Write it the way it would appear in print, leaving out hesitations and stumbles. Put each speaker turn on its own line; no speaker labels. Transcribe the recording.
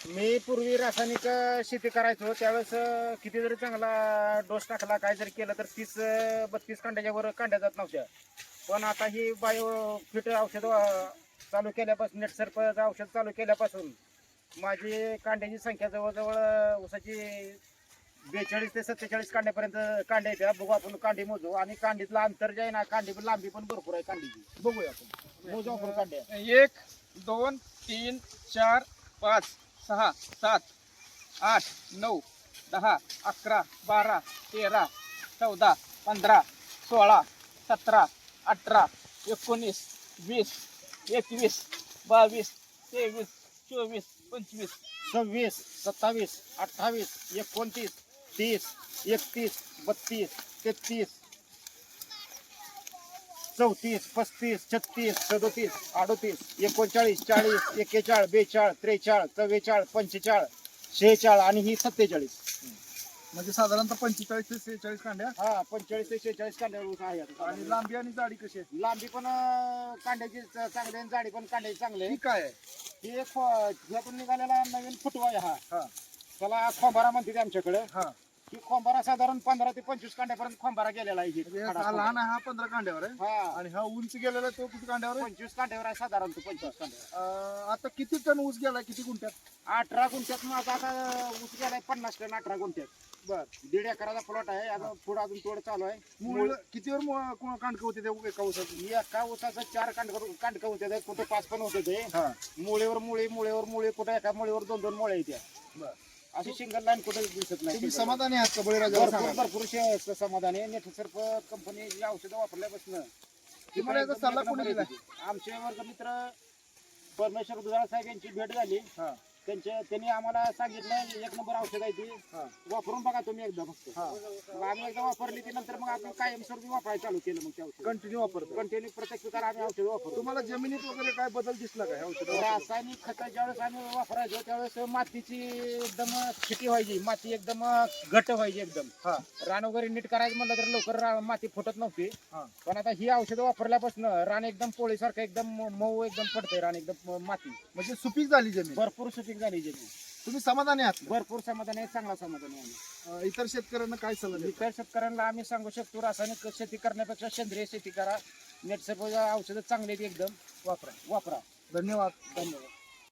मी पूर्वी रासायनिक शेती करायचो त्यावेळेस किती जरी चांगला डोस टाकला काय जरी केलं तर 30-32 कांड्याच्या वर कांड्या जात नव्हत्या. पण आता ही बायो फिट औषध चालू केल्यापासून नेटसर्प औषध चालू केल्यापासून माझी कांड्याची संख्या जवळजवळ ऊसाची 42 ते 47 कांड्यापर्यंत कांड्या येत्या. बघू आपण कांडी मोजू आणि कांडीतलं अंतर जे आहे ना कांडी लांबी पण भरपूर आहे कांडीची. बघूया आपण मोजू आपण कांड्या.
1 2 3 4 5 6 7 8 9 10 11 12 13 14 15 16 17 18 19 20 21 22 23 24 25
26, 27, 28, 29, 30, 31, 32, 33, 34, 35, 36, 37, 38, 39, 40, 41, 42, 43, 44, 45, 46 आणि ही 47.
म्हणजे साधारणतः 45 ते 46 कांड्या.
हा 45 ते 46 कांड्यावर ऊस आहे आता.
आणि लांबी आणि जाडी कशी आहे?
लांबी पण कांड्याची चांगली आणि जाडी पण कांड्याची चांगली आहे.
ही काय आहे?
ही एक ह्यातून निघालेला नवीन फुटवा आहे हा.
हा
त्याला खोंबारा म्हणते आमच्याकडे.
हा
ही खोंबारा साधारण 15 ते 25 कांड्यापर्यंत खोंबारा गेलेला आहे.
म्हणजे हा लहान आहे, हा 15 कांड्यावर आहे
हा
आणि हा उंच गेलेला तो किती कांड्यावर आहे?
25 कांड्यावर आहे साधारण 25 कांड्यावर.
आता किती टन ऊस गेला, किती गुंठ्यात?
18 गुंठ्यात माझा आता ऊस गेलाय 50 टन 18 गुंठ्यात.
बर.
1.5 एकराचा प्लॉट आहे. आता पुढे अजून तोड चालू आहे.
मूळ कितीवर कांडकं होते ते एका ऊसाची?
एका ऊसाचं 4 कांडकं होते ते, कुठे 5 पण होते ते.
हा
मुळेवर मुळे कुठे एका मुळेवर 2-2 मुळे येत्या.
बर.
अशी सिंगल लाईन कुठे दिसत नाही.
तुम्ही समाधानी आहात का बळीराजा?
भरपूर भरपूर समाधान आहे. नेटसर्प कंपनी जी औषधं वापरल्यापासून
तुम्हाला याचा सल्ला कोणी दिला?
आमचे वर्ग मित्र परमेश्वर दुधाळ साहेब यांची भेट झाली.
हा
त्यांनी आम्हाला सांगितलं 1 नंबर औषध आहे ती,
हा
वापरून बघा तुम्ही एकदा फक्त.
हा
मग आम्ही एकदा वापरली ती, नंतर मग आपण कायमस्वरूपी वापरायला चालू केलं. मग ते औषध
कंटिन्यू वापरतो.
कंटिन्यू प्रत्येक पिकाला आम्ही औषध वापरतो.
तुम्हाला जमिनीत वगैरे काय बदल दिसला का ह्या औषधावर?
रासायनिक खत ज्यावेळेस आम्ही वापरायचो त्यावेळेस मातीची एकदम फिटी व्हायची, माती एकदम घट्ट व्हायची एकदम.
हा
रान वगैरे नीट करायचं म्हणलं तर लवकर माती फुटत नव्हती.
हा
पण आता ही औषधं वापरल्यापासून रान एकदम पोळीसारखं एकदम मऊ एकदम पडतंय. रान एकदम माती
म्हणजे सुपीक झाली जमीन.
भरपूर सुपीक झाली जमीन.
तुम्ही समाधानी आहात का?
भरपूर समाधान आहे, चांगला समाधान आहे आम्ही.
इतर शेतकऱ्यांना काय सल्ला देता?
इतर शेतकऱ्यांना आम्ही सांगू शकतो रासायनिक शेती करण्यापेक्षा सेंद्रिय शेती करा. नेटसर्प औषधं चांगली आहेत एकदम, वापरा.
धन्यवाद.
धन्यवाद.